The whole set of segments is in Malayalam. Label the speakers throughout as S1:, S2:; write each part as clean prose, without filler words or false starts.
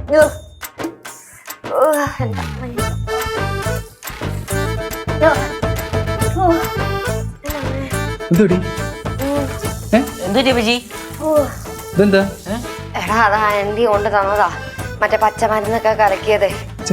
S1: എടാ അതാ ആന്റി കൊണ്ട് തന്നതാ മറ്റേ പച്ചമരുന്നൊക്കെ കലക്കിയത്.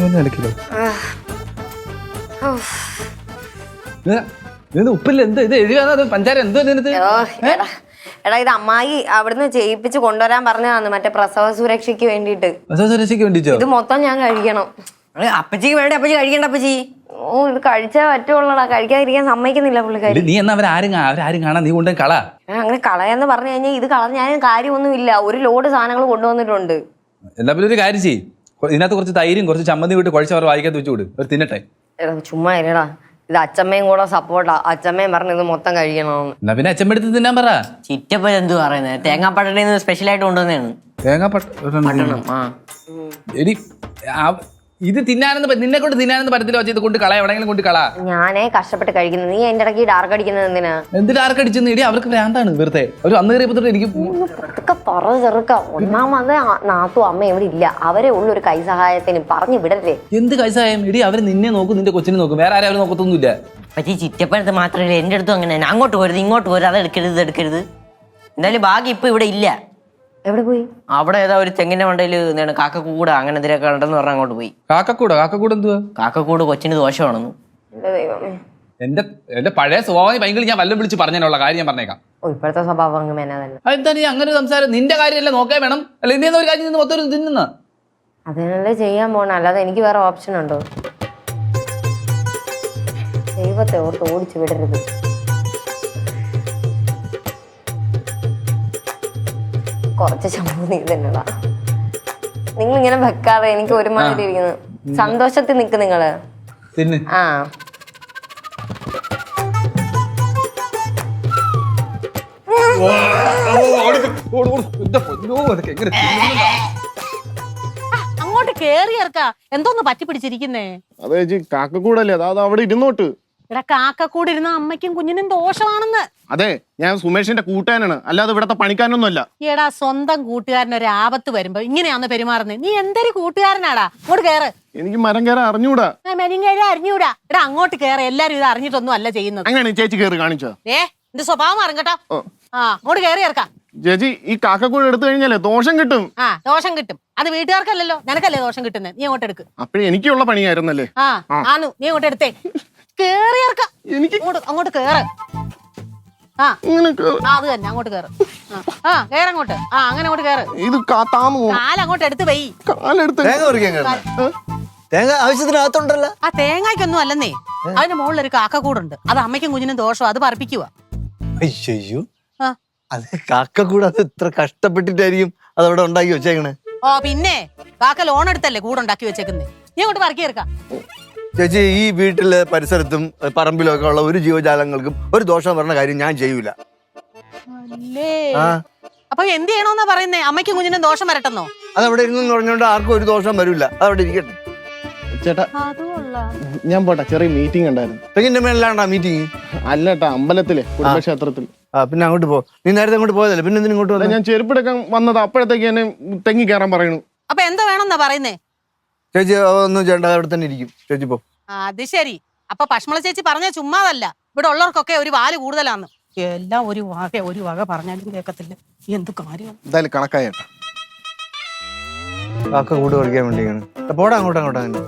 S2: ഉപ്പില്ല എന്ത് ഇത് എഴുതാ പഞ്ചാര എന്തോ
S1: എടാ ഇത് അമ്മായി അവിടുന്ന് ചെയ്യിപ്പിച്ച് കൊണ്ടുവരാൻ പറഞ്ഞതാണ് മറ്റേ പ്രസവ സുരക്ഷയ്ക്ക് വേണ്ടിട്ട്. ഇത് മൊത്തം ഞാൻ കഴിക്കണം.
S3: അപ്പച്ചിക്ക് വേണ്ട അപ്പച്ചി കഴിക്കണ്ട അപ്പച്ചി.
S1: ഓ ഇത് കഴിച്ചാ പറ്റുള്ളടാ, കഴിക്കാതിരിക്കാൻ സമ്മതിക്കുന്നില്ല പുള്ളിക്കാരി.
S2: നീ എന്നാ അവരാരും കാണാൻ നീ കൊണ്ടേ കള.
S1: അങ്ങനെ കളയാന്ന് പറഞ്ഞു കഴിഞ്ഞാൽ ഇത് കളഞ്ഞാലും കാര്യമൊന്നുമില്ല. ഒരു ലോഡ് സാധനങ്ങൾ കൊണ്ടുവന്നിട്ടുണ്ട്.
S2: എന്നാ പിന്നെ ഒരു കാര്യം ചെയ്യ്, ഇതിനകത്ത് കുറച്ച് തൈരും കുറച്ച് ചമ്മന്തി വിട്ട് കുഴച്ച് അവർ വായിക്കാത്ത വെച്ച് വിട്, ഒരു തിന്നട്ടെ.
S1: ചുമ്മാ ഇല്ലടാ, ഇത് അച്ഛമ്മയും കൂടെ സപ്പോർട്ടാ. അച്ഛമ്മയും പറഞ്ഞു ഇത് മൊത്തം കഴിക്കണമെന്ന്.
S2: എന്നാ പിന്നെ അച്ഛമ്മ എടുത്ത് തിന്നാൻ പറ.
S3: ചിറ്റപ്പൻ എന്ത് പറയുന്നത്, തേങ്ങാപ്പട്ടണ സ്പെഷ്യൽ ആയിട്ട് കൊണ്ടുവന്നതാണ്.
S2: തേങ്ങാപ്പട്ടണം എടി ഇത് തിന്നാനെന്ന് നിന്നെ കൊണ്ട് തിന്നാനെന്ന് പറ്റത്തില്ല. വെച്ചാൽ ഇത് കൊണ്ട് കള, എവിടെയെങ്കിലും കൊണ്ട് കള.
S1: ഞാനേ കഷ്ടപ്പെട്ട് കഴിക്കുന്നത്, നീ എന്റെ ഇടയ്ക്ക് ഡാർക്ക് അടിക്കുന്നത് എന്തിനാ?
S2: എന്ത് ഡാർക്ക് അടിച്ചെന്ന് ഇടി, അവർക്ക് ഭ്രാന്താണ് വെറുതെ. ഒരു അന്ന് കയറിയപ്പോ എനിക്ക്
S1: ചെറുക്ക. ഒന്നാമത് നാത്തും അമ്മ ഇവിടെ ഇല്ല, അവരെ ഉള്ളൊരു കൈസഹായത്തിന് പറഞ്ഞു വിടല്ലേ.
S2: എന്ത് കൈസഹായം ഇടി, അവര് നിന്നെ നോക്കും, നിന്റെ കൊച്ചിനെ നോക്കും, വേറെ ആരും അവർ നോക്കത്തൊന്നുമില്ല.
S3: പക്ഷേ ചിറ്റപ്പനത്ത് മാത്രമല്ല എന്റെ അടുത്തും അങ്ങനെ തന്നെ. അങ്ങോട്ട് പോരുത് ഇങ്ങോട്ട് പോരുത്, അത് എടുക്കരുത് ഇത് എടുക്കരുത്. എന്തായാലും ഭാഗ്യം ഇപ്പൊ ഇവിടെ ഇല്ല.
S1: എവിടെ പോയി?
S3: അവിടെ ഏതാ ഒരു തെങ്ങിന്റെ മണ്ടയിൽ എന്താണ് കാക്കക്കൂട് അങ്ങനെ എന്തിനൊക്കെ ഉണ്ടെന്ന് പറഞ്ഞാൽ അങ്ങോട്ട് പോയി.
S2: കാക്കക്കൂട് എന്തുവാ?
S3: കാക്കക്കൂട് കൊച്ചിന് ദോഷമാണെന്ന്.
S2: എന്റെ പഴയ സ്വഭാവം ഭയങ്കര ഞാൻ വല്ലതും വിളിച്ച് പറഞ്ഞതിനുള്ള കാര്യം ഞാൻ പറഞ്ഞേക്കാം.
S1: ഇപ്പോഴത്തെ സ്വഭാവം അങ്ങനെ
S2: എന്താ നീ അങ്ങനെ സംസാരം? നിന്റെ കാര്യമല്ലേ നോക്കാൻ വേണം, അല്ല ഇന്ത്യ ഒരു കാര്യം മൊത്തം തിന്നുന്ന
S1: അതിനല്ലേ ചെയ്യാൻ പോണ, അല്ലാതെ എനിക്ക് വേറെ ഓപ്ഷൻ ഉണ്ടോ? ദൈവത്തെ ഓർത്ത് ഓടിച്ചു വിടരുത്. കുറച്ച് ചമ്മന്തി തന്നെടാ. നിങ്ങൾ ഇങ്ങനെ വെക്കാതെ എനിക്ക് ഒരുമാതിരി ഇരിക്കുന്നു. സന്തോഷത്തിൽ നിക്ക് നിങ്ങള്. ആ
S4: അങ്ങോട്ട് കേറി ഇറക്ക. എന്തോന്ന് പറ്റി പിടിച്ചിരിക്കുന്നേ?
S5: അതെ ചേച്ചി, കാക്കക്കൂടല്ലേ, അത് അവിടെ ഇരുന്നോട്ട്.
S4: ഇവിടെ കാക്കക്കൂട് ഇരുന്ന അമ്മയ്ക്കും കുഞ്ഞിനും ദോഷമാണെന്ന്.
S5: അതെ, ഞാൻ സുമേഷിന്റെ കൂട്ടുകാരനാണ്, അല്ലാതെ ഇവിടത്തെ പണിക്കാരനൊന്നും അല്ല.
S4: എടാ സ്വന്തം കൂട്ടുകാരന് ഒരു ആപത്ത് വരുമ്പോ ഇങ്ങനെയാന്ന് പെരുമാറുന്നത്. നീ എന്തൊരു കൂട്ടുകാരനാടാ. അങ്ങോട്ട് കേറ്.
S5: എനിക്ക് മരം കയറാൻ അറിഞ്ഞൂടാ.
S4: മരം കയറാൻ അറിഞ്ഞൂടാ. എടാ അങ്ങോട്ട് കേറ്. എല്ലാരും ഇത് അറിഞ്ഞിട്ടൊന്നും അല്ല ചെയ്യുന്നത്.
S5: അങ്ങനെ ചേച്ചി കയറി കാണിച്ചോ?
S4: എന്റെ സ്വഭാവം അറിഞ്ഞട്ടോ. ആ അങ്ങോട്ട് കേറി ഇറക്കാം.
S5: ചേച്ചി, ഈ കാക്കക്കൂട് എടുത്തു കഴിഞ്ഞാലേ ദോഷം കിട്ടും.
S4: ആ ദോഷം കിട്ടും. അത് വീട്ടുകാർക്കല്ലല്ലോ, നിനക്കല്ലേ ദോഷം കിട്ടുന്നത്. നീ അങ്ങോട്ട് എടുക്ക്.
S5: അപ്പഴേ എനിക്കുള്ള പണിയായിരുന്നല്ലേ.
S4: ആന്നു, നീ അങ്ങോട്ട് എടുത്തേ. കേറി ഇറക്കാം. അങ്ങോട്ട് കേറ്. അത് തന്നെ അങ്ങോട്ട് കേറ്. കേറങ്ങോട്ട്. അങ്ങനെ അങ്ങോട്ട് കേറ്.
S5: ഇത്
S4: കാലങ്ങോട്ട് എടുത്ത് വൈ.
S6: തേങ്ങ ആവശ്യത്തിനകത്തുണ്ടല്ലോ.
S4: ആ തേങ്ങയ്ക്കൊന്നും അല്ലെന്നേ, അതിന്റെ മുകളിൽ ഒരു കാക്കക്കൂടുണ്ട്. അത് അമ്മയ്ക്കും കുഞ്ഞിനും ദോഷം, അത് പറപ്പിക്കുക.
S6: അയ്യോ, അത് കാക്കക്കൂട് അത് ഇത്ര കഷ്ടപ്പെട്ടിട്ടായിരിക്കും അതവിടെ ഉണ്ടാക്കി വെച്ചേക്കണേ.
S4: പിന്നെ കാക്ക ലോൺ എടുത്തല്ലേ കൂടുണ്ടാക്കി വെച്ചേക്കുന്നേ. നീ അങ്ങോട്ട് പറക്കി ഇറക്കാം.
S6: ചേച്ചി, ഈ വീട്ടിലെ പരിസരത്തും പറമ്പിലും ഒക്കെ ഉള്ള ഒരു ജീവജാലങ്ങൾക്കും ഒരു ദോഷം പറഞ്ഞ കാര്യം ഞാൻ ചെയ്യൂല.
S4: അപ്പൊ എന്ത് ചെയ്യണോന്നാ പറയുന്നേ? അമ്മയ്ക്കും കുഞ്ഞിനും ദോഷം വരട്ടെന്നോ?
S6: അതവിടെ ഇരുന്ന് പറഞ്ഞോണ്ട് ആർക്കും ഒരു ദോഷം വരില്ല, അതവിടെ ഇരിക്കട്ടെ.
S5: ചേട്ടാ ഞാൻ പോട്ടെ, ചെറിയ മീറ്റിംഗ് ഉണ്ടായിരുന്നു.
S6: തെങ്ങിന്റെ മേലാണ്ടാ മീറ്റിംഗ്?
S5: അല്ലേട്ടാ, അമ്പലത്തിലെ കുടുംബക്ഷേത്രത്തിൽ.
S6: പിന്നെ അങ്ങോട്ട് പോ. നീ നേരത്തെ അങ്ങോട്ട് പോയതല്ലേ, പിന്നെ എന്തിനും ഇങ്ങോട്ട് വന്നത്?
S5: ഞാൻ ചെരുപ്പെടുക്കാൻ വന്നത്, അപ്പോഴത്തേക്ക് എന്നെ തെങ്ങി കയറാൻ പറയണു.
S4: അപ്പൊ എന്താ വേണമെന്നാ പറയുന്നേ?
S6: ചേച്ചി ഒന്നും ചെയ്യണ്ട, അവിടെ തന്നെ ഇരിക്കും. ചേച്ചി പോ.
S4: അത് ശരി. അപ്പൊ പശ്മള ചേച്ചി പറഞ്ഞ ചുമ്മാതല്ല, ഇവിടെ ഉള്ളവർക്കൊക്കെ ഒരു വാല് കൂടുതലാന്ന്. എല്ലാം ഒരു വക പറഞ്ഞാലും കേൾക്കത്തില്ല. എന്ത് കാര്യം
S5: എന്തായാലും കണക്കായേട്ടാ.
S6: കാക്ക കൂട് കളിക്കാൻ വേണ്ടിയാണ്. പോടാ അങ്ങോട്ട് അങ്ങനെ.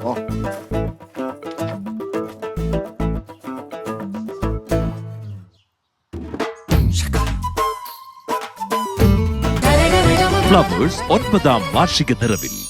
S7: ഫ്ലവേഴ്സ് 9ാം വാർഷിക നിറവിൽ